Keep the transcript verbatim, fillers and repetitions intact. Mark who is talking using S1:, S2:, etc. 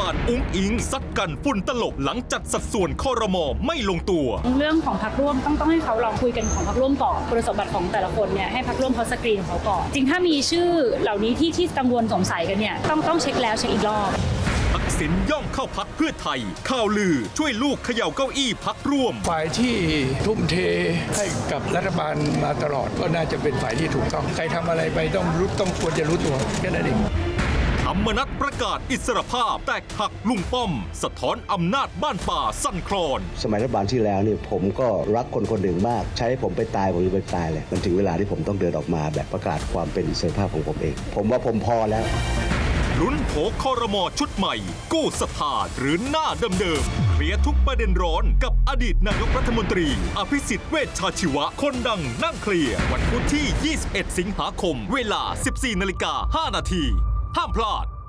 S1: บาลอุ๊งอิงซัดกันฝุ่นตลบหลังจัดสัดส่วนครม.ไม่ลงตัว
S2: เรื่องของพรรคร่วมต้องต้องให้เขาลองคุยกันของพรรคร่วมก่อนคุณสมบัติของแต่ละคนเนี่ยให้พรรคร่วมเขาสกรีนของเขาก่อนจริงถ้ามีชื่อเหล่านี้ที่ที่กังวลสงสัยกันเนี่ยต้องต้องเช็คแล้วเช็คอีกรอบ
S1: ทักษิณย่องเข้าพักเพื่อไทยข่าวลือช่วยลูกเขย่าเก้าอี้พักร่วม
S3: ฝ่ายที่ทุ่มเทให้กับรัฐบาลมาตลอดก็น่าจะเป็นฝ่ายที่ถูกต้องใครทำอะไรไปต้องรู้ต้องควรจะรู้ตัวแค่นั้นเอง
S1: ธรรมนัสประกาศอิสรภาพแตกหักลุงป้อมสะท้อนอำนาจบ้านป่าสั่นคลอน
S4: สมัยรัฐบาลที่แล้วเนี่ยผมก็รักคนคนหนึ่งมากใช้ผมไปตายผมจะไปตายเลยมันถึงเวลาที่ผมต้องเดินออกมาแบบประกาศความเป็นอิสรภาพของผมเองผมว่าผมพอแล้ว
S1: ลุ้นโผครม.ชุดใหม่กู้ศรัทธาหรือหน้าเดิมๆเคลียร์ทุกประเด็นร้อนกับอดีตนายกรัฐมนตรีอภิสิทธิ์เวชชาชีวะคนดังนั่งเคลียร์วันพุธที่ยี่สิบเอ็ดสิงหาคมเวลา สิบสี่นาฬิกาห้านาทีห้ามพลาด